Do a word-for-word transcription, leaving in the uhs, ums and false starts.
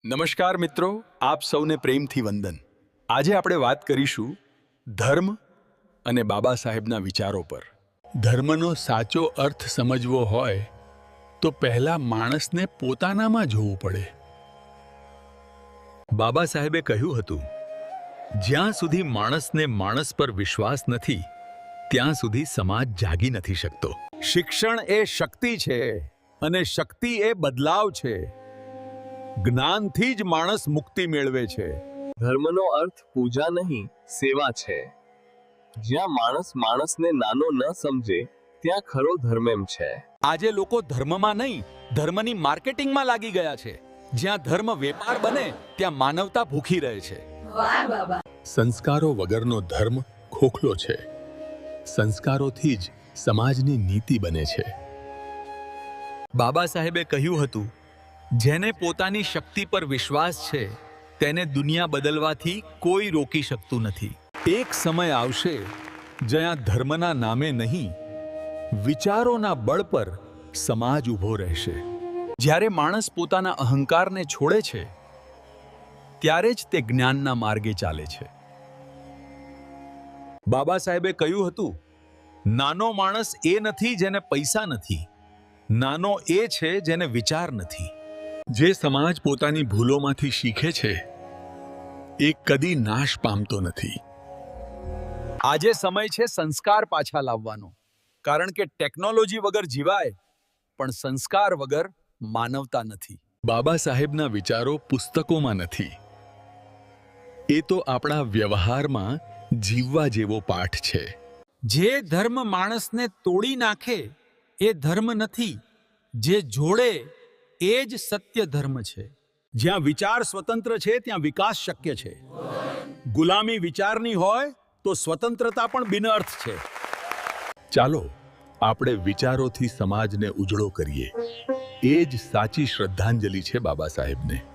નમસ્કાર મિત્રો, આપ સૌને પ્રેમથી વંદન। આજે આપણે વાત કરીશું ધર્મ અને બાબા સાહેબના વિચારો પર। ધર્મનો સાચો અર્થ સમજવો હોય તો પહેલા માણસને પોતાનામાં જોવું પડે। બાબા સાહેબે કહ્યું હતું, જ્યાં સુધી માણસને માણસ પર વિશ્વાસ નથી ત્યાં સુધી સમાજ જાગી નથી શકતો। શિક્ષણ એ શક્તિ છે અને શક્તિ એ બદલાવ છે। જ્ઞાનથી જ માણસ મુક્તિ મેળવે છે। ધર્મનો અર્થ પૂજા નહીં, સેવા છે। જ્યાં માણસ માણસને નાનો ન સમજે ત્યાં ખરો ધર્મ એમ છે। આજે લોકો ધર્મમાં નહીં, ધર્મની માર્કેટિંગમાં લાગી ગયા છે। જ્યાં ધર્મ વેપાર બને ત્યાં માનવતા ભૂખી રહે છે। સંસ્કારો વગરનો ધર્મ ખોખલો છે। સંસ્કારોથી જ સમાજની નીતિ બને છે। બાબા સાહેબે કહ્યું હતું, જેને પોતાની શક્તિ પર વિશ્વાસ છે તેને દુનિયા બદલવાથી કોઈ રોકી શકતું નથી। એક સમય આવશે જ્યાં ધર્મના નામે નહીં, વિચારોના બળ પર સમાજ ઊભો રહેશે। જ્યારે માણસ પોતાના અહંકારને છોડે છે ત્યારે જ તે જ્ઞાનના માર્ગે ચાલે છે। બાબા સાહેબે કહ્યું હતું, નાનો માણસ એ નથી જેને પૈસા નથી, નાનો એ છે જેને વિચાર નથી। જે સમાજ પોતાની ભૂલોમાંથી શીખે છે એ કદી નાશ પામતો નથી। આજે સમય છે સંસ્કાર પાછા લાવવાનો, કારણ કે ટેકનોલોજી વગર જીવાય પણ સંસ્કાર વગર માનવતા નથી। બાબા સાહેબના વિચારો પુસ્તકોમાં નથી, એ તો આપણા વ્યવહારમાં જીવવા જેવો પાઠ છે। જે ધર્મ માણસને તોડી નાખે એ ધર્મ નથી, જે જોડે એ જ સત્ય ધર્મ છે। જ્યાં વિચાર સ્વતંત્ર છે ત્યાં વિકાસ શક્ય છે। ગુલામી વિચારની હોય તો સ્વતંત્રતા પણ બિનઅર્થ છે। ચાલો આપણે વિચારોથી સમાજને ઉજળો કરીએ। એ જ સાચી શ્રદ્ધાંજલિ છે બાબા સાહેબને।